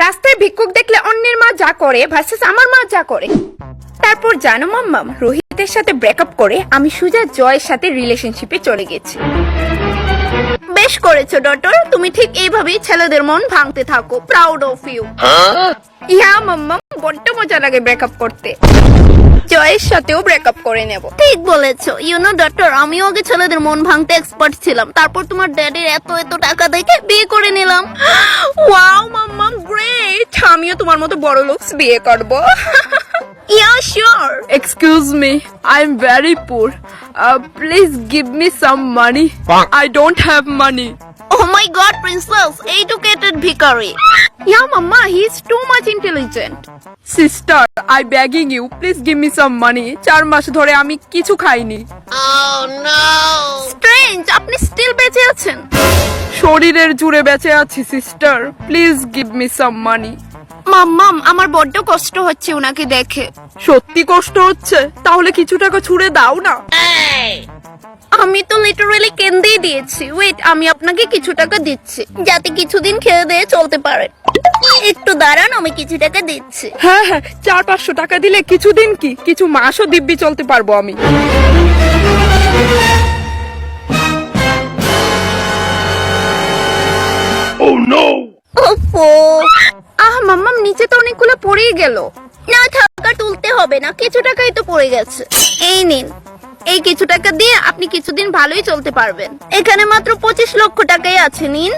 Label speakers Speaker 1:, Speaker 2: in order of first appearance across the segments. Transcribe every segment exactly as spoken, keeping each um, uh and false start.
Speaker 1: রাস্তায় ভিক্ষুক দেখলে অন্যের মা যা করে ভার্সেস আমার মা যা করে। তারপর জানো মাম্মাম, রোহিতের সাথে ব্রেকআপ করে আমি সুজা জয়ের সাথে রিলেশনশিপে চলে গেছি। বেশ করেছো ডটর, তুমি ঠিক এইভাবেই ছেলেদের মন ভাঙতে থাকো। Proud of you. ইয়া মাম্মাম, বড্ড মজা লাগে ব্রেকআপ করতে। জয়ের সাথেও ব্রেকআপ করে নেব। ঠিক বলেছো। ইউ নো ডক্টর, আমিও আগে ছেলেদের মন ভাঙতে এক্সপার্ট ছিলাম, তারপর তোমার ড্যাডির এত এত টাকা দেখে বিয়ে করে নিলাম। ওয়াও মাম্মাম, গ্রেট। আমিও তোমার মতো বড় লোকস বিয়ে করব। Yeah, sure.
Speaker 2: Excuse me, I'm very poor. Uh, please give me some money. I don't have money.
Speaker 1: Oh my god, princess, educated bhikari. Yeah, mama, he's too much intelligent.
Speaker 2: Sister, I begging you, please give me some money. চার মাস ধরে আমি কিছু খাইনি।
Speaker 1: Oh no. Strange, আপনি still বেঁচে আছেন?
Speaker 2: শরীরের জুড়ে বেঁচে আছি sister, please give me some money.
Speaker 1: মাম্মাম, আমার বড্ড কষ্ট হচ্ছে উনাকে দেখে।
Speaker 2: সত্যি কষ্ট হচ্ছে? তাহলে কিছু টাকা ছুড়ে দাও না।
Speaker 1: আমি তো লিটারালি কেন্দেই দিয়েছি। ওয়েট, আমি আপনাকে কিছু টাকা দিচ্ছি যাতে কিছুদিন খেয়ে দিয়ে চলতে পারেন। একটু দাঁড়ান, আমি কিছু টাকা দিচ্ছি।
Speaker 2: হ্যাঁ হ্যাঁ, চার পাঁচশো টাকা দিলে কিছুদিন কি কিছু মাসও দিব্যি চলতে পারবো আমি।
Speaker 3: Oh no!
Speaker 1: ওফো, আহ মাম্মাম, নিচে তো অনেকগুলো পড়েই গেল। না টাকা তুলতে হবে না, কিছু টাকাই তো পড়ে গেছে। এই নিন, এই কিছু টাকা দিয়ে আপনি কিছুদিন ভালোই চলতে পারবেন। এখানে মাত্র পঁচিশ লক্ষ টাকাই আছে, নিন।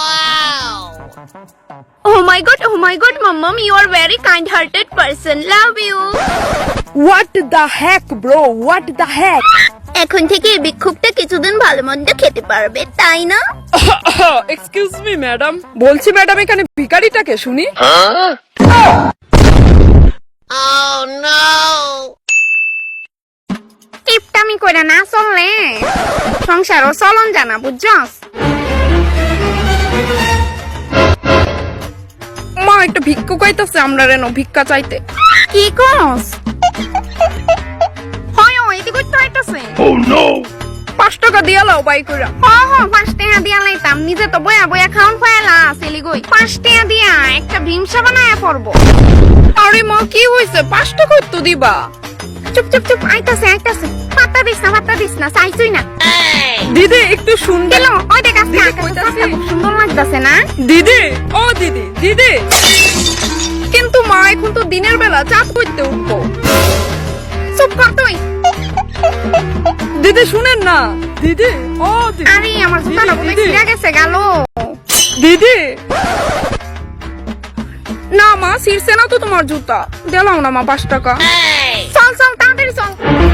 Speaker 1: Oh my god, oh my god, মাম্মাম, you are very kind hearted person. Love you.
Speaker 2: What the heck bro, what the heck?
Speaker 1: এখন থেকে এই ভিক্ষুকটা কিছুদিন ভালো মন্দ খেতে পারবে, তাই না?
Speaker 2: এক্সকিউজ মি ম্যাডাম, বলছি ম্যাডাম এখানে ভিখারিটাকে শুনি।
Speaker 1: Oh no. টিপটামি কইরা না চললে সংসারও চলন জানা, বুঝছস?
Speaker 2: মা, একটা ভিক্ষুক আইতাছে আমরা রেন ভিক্ষা চাইতে।
Speaker 1: কি কস? হয় ওই দিকে তো আইতাছে।
Speaker 3: Oh no!
Speaker 2: পাঁচ টাকা দিয়া লাও বাই কইরা।
Speaker 1: হ হ, পাঁচ টাকা দিয়া লাইতাম, নিজে তো বয়া বয়া খাওন ফায়লা সিলি গই। পাঁচ টাকা দিয়া একটা ভীমসা বানায়া পড়বো।
Speaker 2: আরে মা, কি হইছে? পাঁচ টাকা তো দিবা।
Speaker 1: চুপ চুপ চুপ, আইতাছে আইতাছে। পাতা দিস না, পাতা দিস না, চাইছুই না।
Speaker 2: দিদি একটু শুনবে?
Speaker 1: দিল, ওই দেখ আজকে
Speaker 2: দিদি
Speaker 1: আকাশে
Speaker 2: কইতাছে।
Speaker 1: চাঁদটা খুব সুন্দর লাগতাছে না?
Speaker 2: দিদি, ও দিদি দিদি, কিন্তু মা এখন তো দিনের বেলা চাঁদ করতে উঠবো।
Speaker 1: চুপ কর তুই।
Speaker 2: দিদি শুনেন না। দিদি, ও দিদি।
Speaker 1: আরে আমার জুতাটা বোধহয়
Speaker 2: দিদি,
Speaker 1: ছিঁড়ে গেছে গেল।
Speaker 2: দিদি, না মা, ছিঁড়ছে না তো তোমার জুতা। দিলাম না মা পাঁচ টাকা।
Speaker 1: চল চল তাড়াতাড়ি চল।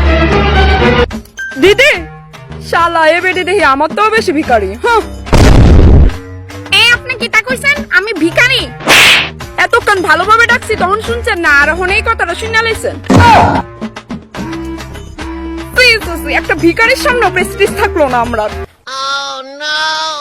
Speaker 2: দিদি, শালা এ বেটি দেখি আমার তো বেশি ভিখারি। হ্যাঁ,
Speaker 1: এই আপনি কি তা কইছেন আমি ভিখারি?
Speaker 2: এতক্ষণ ভালোভাবে ডাকছি তখন শুনছেন না, আর এখন এই কথাটা শুনে লাইছেন। প্লিজ, একটা ভিখারির সামনে প্রেস্টিজ থাকলো না আমরা।
Speaker 1: Oh no.